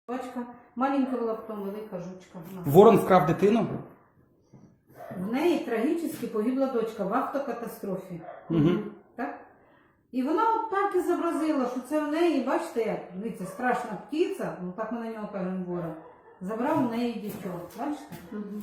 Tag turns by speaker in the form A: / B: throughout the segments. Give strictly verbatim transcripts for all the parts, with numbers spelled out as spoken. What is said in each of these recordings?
A: Дочка, маленька була, потім велика жучка.
B: Ворон вкрав дитину?
A: В неї трагічно погибла дочка в автокатастрофі.
B: Угу.
A: Так? І вона от так і зобразила, що це в неї, бачите, як, дивіться, страшна птиця, ну так ми на нього кажемо ворон, забрав в неї дітьок. Бачите? Угу.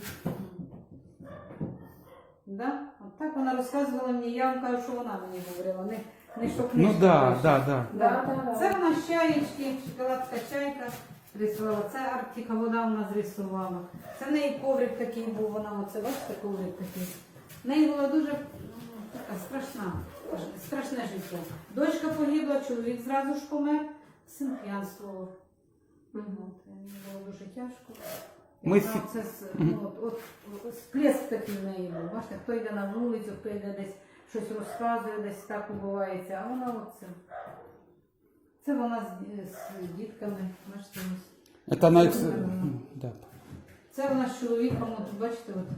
A: Да? От так вона розказувала мені, я вам кажу, що вона мені говорила, не, не що книжка.
B: Ну да,
A: пише.
B: да, да.
A: Да. Да. Це вона з чаєчки, шоколадка чайка рисувала, це Арктика вода вона зрисувала. Це в неї коврик такий був, вона оце, бачите, коврик такий. В неї була дуже ну, така страшна, страшне життя. Дочка погибла, чоловік зразу ж помер, син п'янствував. Угу. Мені було дуже тяжко.
B: Ми
A: Вона, це, ну, от, от, сплеск такий в неї був. Бачите, хто йде на вулицю, хто йде десь щось розказує, десь так убувається, а вона оце. Це вона з, з дітками, бачите, ось.
B: Це навіть... Да.
A: Це вона з чоловіком, от, бачите, от.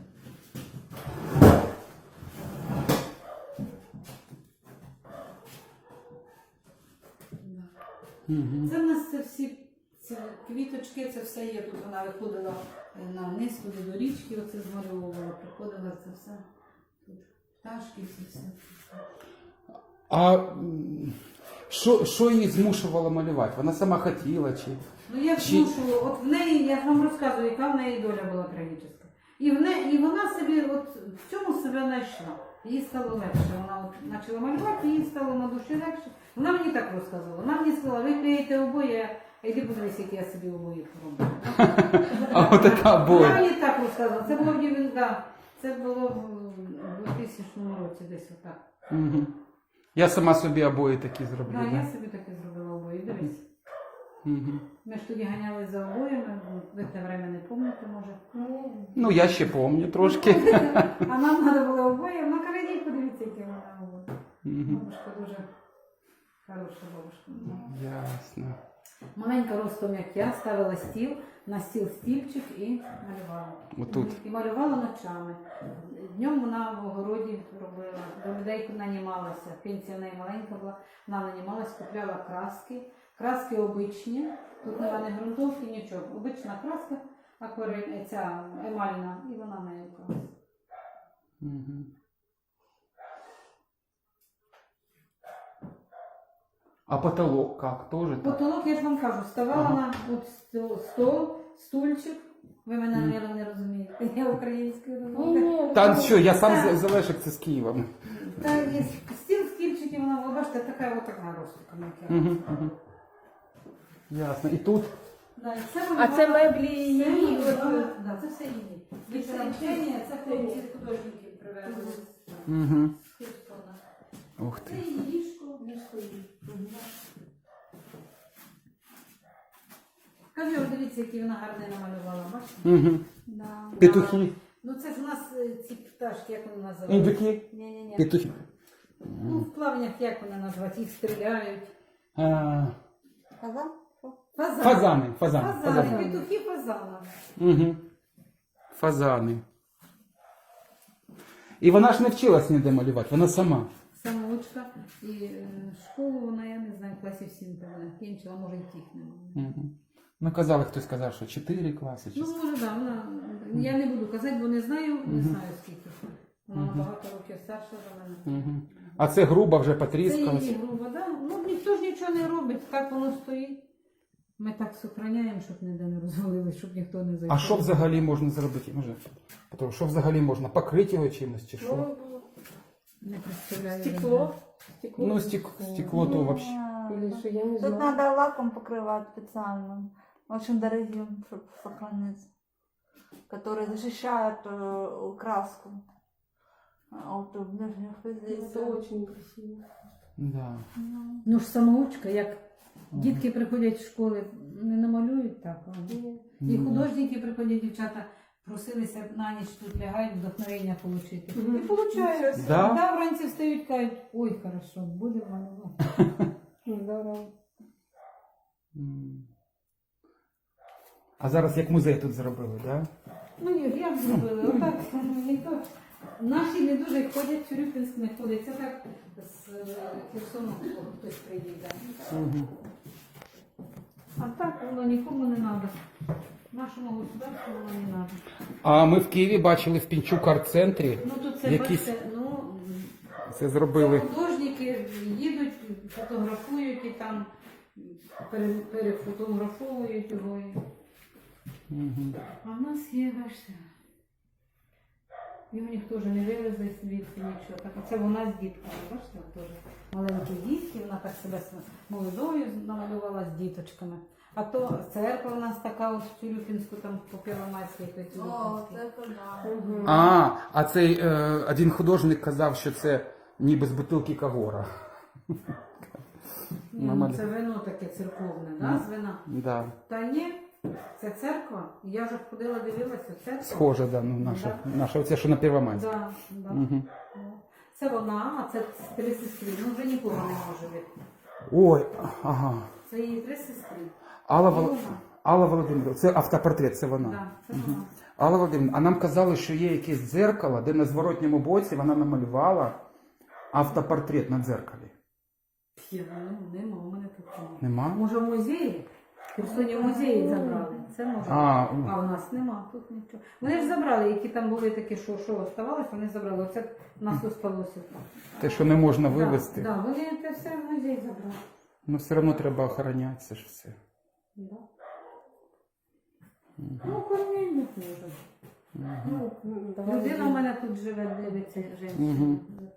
B: Угу.
A: Це в нас це всі ці квіточки, це все є. Тут вона виходила на низ туди до річки, оце змальовувала, приходила це все. Тут пташки, всі все.
B: А м, що, що її змушувало малювати? Вона сама хотіла чи?
A: Ну я
B: Чи-
A: змушувала, от в неї, я ж вам розказую, яка в неї доля була трагічна. І, в не, і вона собі от в цьому себе знайшла. Їй стало легше. Вона от почала малювати, їй стало на душі легше. Вона мені так розказувала. Вона мені сказала, ви клеїте обоє, а йди подивись, які я собі обої пороблю.
B: А от така
A: Вона
B: боль.
A: мені так розказувала. Це було в дев'яносто, да, це було в двохтисячному році, десь отак.
B: Угу. Я сама собі обої такі зроблю.
A: Да,
B: Да?
A: я собі таке зробила обої. Дивись.
B: Угу.
A: Ми ж тоді ганяли за обоями, ви те время не пам'ятаєте, може.
B: Ну, я ще пам'ятаю трошки.
A: А нам треба було обоє, ну каже, подивіться, які вона була.
B: Угу.
A: Бабушка дуже хороша бабушка.
B: Ясно.
A: Маленька ростом, як я, ставила стіл, на стіл стільчик і малювала.
B: Отут.
A: І малювала ночами. Днем вона в огороді робила, до людей нанімалася. Пенсія в неї маленька була, вона нанімалась, купляла краски. Краски обичні, тут немає ні ґрунтовки, нічого. Обична краска, акварель, ця емальна, і вона нею красила.
B: Угу. А потолок как? Тоже так?
A: Потолок, я ж вам кажу, ставала
B: Ага.
A: на от стол- стол, стульчик. Ви мене,
B: Мгм.
A: мабуть, не розумієте. Я українською розумію.
B: Та що, я сам
A: Так.
B: з Залешик, це з Києва.
A: Та є стіл, стільчики, вона, ви бачите, така от така ростика. як я.
B: Угу. Угу. Ясно. І тут?
A: Да, і це
C: А це меблі
A: Це
C: її?
A: її,
C: От,
A: вона- да, це все її. Від навчання, це хлопці художники привезли.
B: Угу.
A: з Херсона.
B: Ух
A: Це
B: ти.
A: її ліжко, ліжко її. Кажу, от дивіться, які вона гарні намалювала, бачите?
B: Угу.
A: Да.
B: Петухи.
A: Ну це ж у нас е, ці пташки, як вони називають?
B: Індюки.
A: Ні-ні-ні.
B: Петухи.
A: Ну, в плавнях як вони називають? Їх стріляють.
B: А,
A: Фазан?
B: Фазани. Фазани.
A: Фазани.
B: Фазани.
A: Петухи фазана.
B: Угу. Фазани. І вона ж не вчилась ніде малювати, вона сама.
A: Самоучка. І е, школу вона, я не знаю, класів сім вона кінчила, може й тих немає.
B: Угу. Ну, казали, хтось сказав, що чотири класи. Чи...
A: Ну, може, так, да, вона, я не буду казати, бо не знаю, не
B: Мгм.
A: знаю скільки. Вона
B: Мгм.
A: набагато років старша за мене.
B: Угу. А це груба вже
A: Це
B: потріскалась.
A: її груба, да? Ну, ніхто ж нічого не робить, так воно стоїть. Ми так сохраняємо, щоб ніде не розвалилось, щоб ніхто не зайшов.
B: А що взагалі можна зробити? Може, Петро, що взагалі можна? Покрити його чимось чи що?
C: Ну,
A: Не представляю.
C: стекло. Стекло.
B: Ну, стек... стекло то вообще.
C: Или что, я не
D: Тут
C: знаю.
D: надо лаком покрывать специальным, очень дорогим, чтобы сохраниться, который защищает э, краску от внешних
C: Это
D: воздействий.
C: очень красиво.
B: Да.
D: Ну,
A: Ну ж самоучка, як дітки приходять в школи, не намалюють так. а І
B: Ну,
A: художники приходять, дівчата, просилися на ніч тут лягають, вдохновення отримати.
C: Мгм.
A: І получають.
B: Да?
A: Да, вранці встають, кажуть, ой, хорошо, будемо малювати.
C: Здорово.
B: М. А зараз як музей тут зробили, да?
A: Ну ні, як зробили? Отак, ніхто. Наші не дуже ходять, Тюрюпінськ не ходить. Це так з е, Херсону хтось приїде.
B: Угу.
A: А так воно нікому не треба. Нашому государству воно не треба.
B: А ми в Києві бачили в Пінчук арт-центрі.
A: Ну тут це
B: Якісь-
A: бачите, ну
B: Це зробили.
A: художники їдуть, фотографують і там пере- перефотографовують його. і-
B: Мгм.
A: А в нас є, бачите, його ніхто вже не вивезли звідси нічого. Так, це вона з дітками, бачите, теж маленькі дітки, вона так себе с- молодою намалювала з діточками. А то церква у нас така от в Тюрюпінську, там по Первомайській, по
D: О,
A: Тюрюпінській.
D: це да.
C: Мгм.
B: А, а цей е, один художник казав, що це ніби з бутилки Кагора.
A: Ні, ну, це вино таке церковне, да, з вина.
B: Да.
A: Та ні, це церква. Я вже ходила, дивилася, церква.
B: Схоже, да, ну, наша, наша оце, що на Первомайській.
A: Да, да.
B: Угу.
A: Це вона, а це три сестри. Ну вже нікого не може бути.
B: Ой, ага.
A: Це її три сестри.
B: Алла,
A: І
B: Вол...
A: вона.
B: Алла Володимирівна, це автопортрет, це вона.
A: Да, це вона.
B: Алла Володимирівна, а нам казали, що є якесь дзеркало, де на зворотньому боці вона намалювала автопортрет на дзеркалі.
A: Я, ну, нема, у мене тут нема.
B: Нема?
A: Може в музеї? В Херсоні в музеї забрали. Це може.
B: А,
A: А у нас нема, тут нічого. Вони ж забрали, які там були такі, що, що оставалось, вони забрали. Оце в нас осталося.
B: те, що не можна вивезти.
A: Так, да, вони це все в музей забрали.
B: Ну все одно треба охороняти це ж все.
A: Да. Ну, кормільник може.
C: Ну, давай.
A: Людина у мене тут живе, дивиться, жінка.
B: Мгм.